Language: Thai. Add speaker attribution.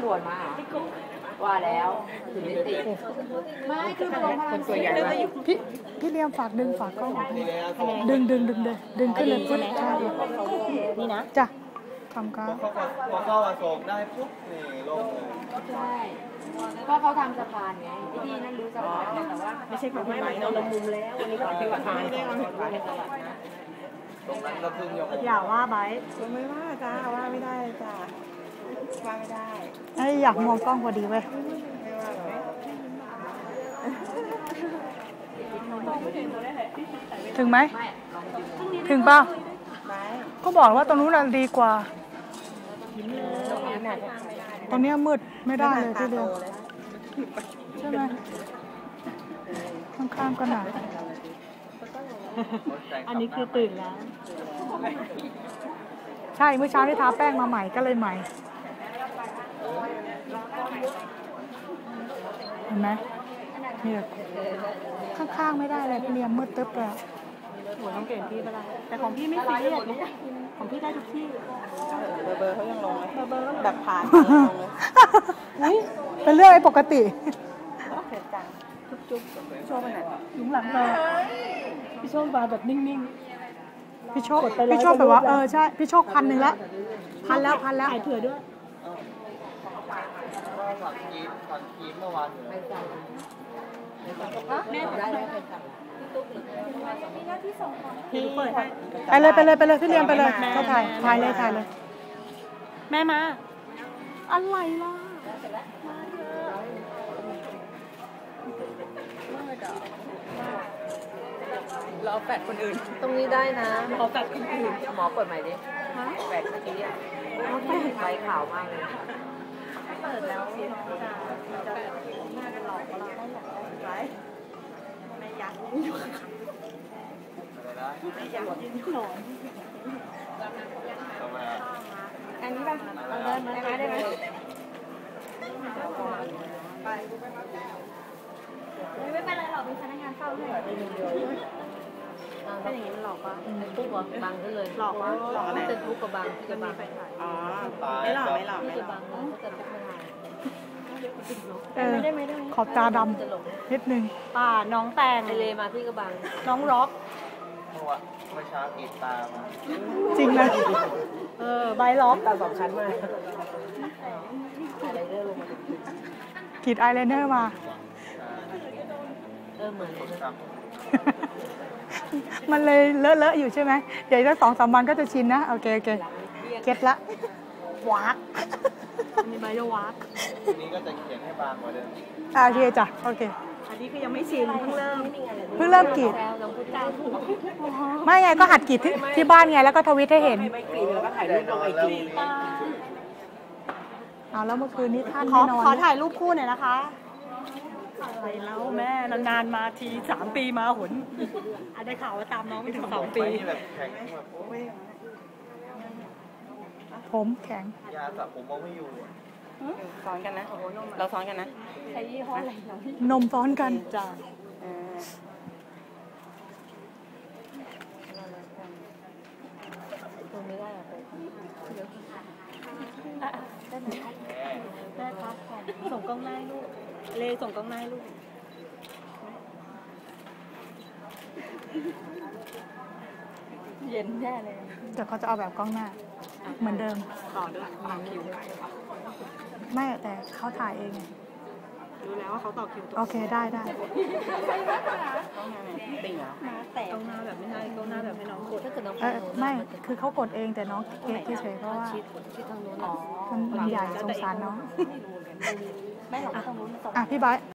Speaker 1: ำรวจมาว่าแล้วถึงได้ติดไม่คือคนตัวใหญ่
Speaker 2: พี่เลี้ยมฝากดึงฝากกล้องออกดึงขึ้นเลยพุทธใช่
Speaker 1: นี่นะ
Speaker 2: จ้ะทำการ
Speaker 3: พอเข้าอโศกได้ปุ๊บนี่ลงเลย
Speaker 1: ใช่เพราะเขาทำสะพานไงที่นั่นรู้สะพานแต่ว่าไม่ใช่ของพี่ไหมเราลงมุมแล้ววันนี้ก็ที่วัดพานไม่ได้วางแผนในตลาดนะ
Speaker 3: ตรงนั้นก็พึ่งยก
Speaker 2: อย่าว่าไบ
Speaker 1: ไม่ว่าจ้าว่าไม่ได้จ้าว่าไม่ได้
Speaker 2: ไอ้อยากมองกล้องพอดีเว้ยถึงไหมถึงเปล่าก็บอกว่าตรงนู้นน่ะดีกว่าตรงนี้มืดไม่ได้เลยทีเดียวใช่ไหมข้างๆก็หนาอันนี้คือตื่นแล้วใช่เมื่อเช้าที่ทาแป้งมาใหม่ก็เลยใหม่เห็นไหมนี่ข้างๆไม่ได้เลยพี่เลี้ยงมืดตึ๊บเลยโหต้องเก่งพี่ไปละแต่ของพี่ไม่ซีเรียสของพี่ได้ทุกที่
Speaker 1: เบอร์เขายังลงเลยเบอร์แบบผ่าน
Speaker 2: เลยเป็นเรื่องปกติ
Speaker 1: จุ๊บโชว์ไปไหน
Speaker 2: หลุมหลังเลยพี่โชคมาแบบนิ่งๆพี่โชคแบบว่าใช่พี่โชค1,000แล้วพันแล้วถ่ายเผื่อด้วย
Speaker 3: ถอนคีมเมื่อวาน
Speaker 1: แม่ได้แล้ว
Speaker 2: พี่เปิดไปเลยพี่เลี้ยงไปเลยก็ถ่ายเลยแม่มาอะไรล่ะ
Speaker 1: รอแฟดคนอื่นตรงนี้ได้นะรอแฟดคนอื่นหมอเปิดใหม่ดิแฟดเมื่อกี้ใบขาวมากเลยเปิดแล้วจะหลอกเราได้อย่างไรไม่ยักไม่ยักยืนหลอนอันนี้ป่ะเราเดินมาได้ไหมไม่เป็นไรหรอกเป็นพนักงานเฝ้าให้ถ้าอย่างนี้มันหลอกปะปุ๊บเหรอบังก็เลยหลอกอะไรจะทุกกับบังที่จะบังอ๋อไม่หลอกที่จะบังก็จะทุกไม่ได้
Speaker 2: ขอบตาดำนิดนึงป่าน้องแตง
Speaker 1: ไอเลมาที่กระบัง
Speaker 2: น้องร็อก
Speaker 3: เมื่อเช้ากรีดตามา
Speaker 2: จริงเลยใบล็อก
Speaker 1: ตา2 ชั้นมาอะไรเรื่องลงมาก
Speaker 2: รีดอายไลเนอร์มา
Speaker 1: เหมือน
Speaker 2: มันเลยเลอะอยู่ใช่ไหมเดี๋ยวสัก2-3 วันก็จะชินนะโอเคเก็ตละวากมีใบจะวาก
Speaker 3: ทีนี้ก็จะเขียนให้บางกว่าเดิม
Speaker 2: โอเคจ้ะโอเค
Speaker 1: อันนี้คือยังไม่ชินเพิ่งเ
Speaker 2: ริ่มกรีดไม่ไงก็หัดกรีดที่บ้านไงแล้วก็ทวิตให้เห็น
Speaker 1: ไม่กรีดแล้วก็ถ่ายรูปลงไอจี
Speaker 2: แล้วเมื่อคืนนี้ท่านไม่นอนขอถ่ายรูปคู่หน่อยนะคะอะไรแล้วแม่นานๆมาที3 ปีมาหนได้ข่าวว่าตามน้องไม่ถึง2 ปีผมแข็ง
Speaker 3: ยาสระผมมองไม่อยู่
Speaker 1: ซ้อนกันนะเราซ้อนกันนะใช้ยี่ห้ออะไร
Speaker 2: นมซ้อนกันจ้า
Speaker 1: ตรงนี้ได้อะได้ครับส่งกล้องหน้าลูกเลส่งกล้องหน้าลูกเย็นแน่เลย
Speaker 2: เดี๋ยวเขาจะเอาแบบกล้องหน้าเหมือนเดิม
Speaker 1: ต่อด้วยต่อคิว
Speaker 2: ไม่แต่เขาถ่ายเองไง
Speaker 1: รู้แล้วว่าเขาต่อคิว
Speaker 2: โอเคได้
Speaker 1: กล้องหน้าติ่งเหรอแต่กล้องหน้าแบบไม่ใช่กล้องหน้าแบบให้น้องกดถ้าเกิดน้อง
Speaker 2: ไม่คือเขากดเองแต่น้องเก๊เฉยๆเพราะว่ามันใหญ่สงสารน้อง
Speaker 1: ไม่หรอกตรงนู้น
Speaker 2: พี่ไบร์ท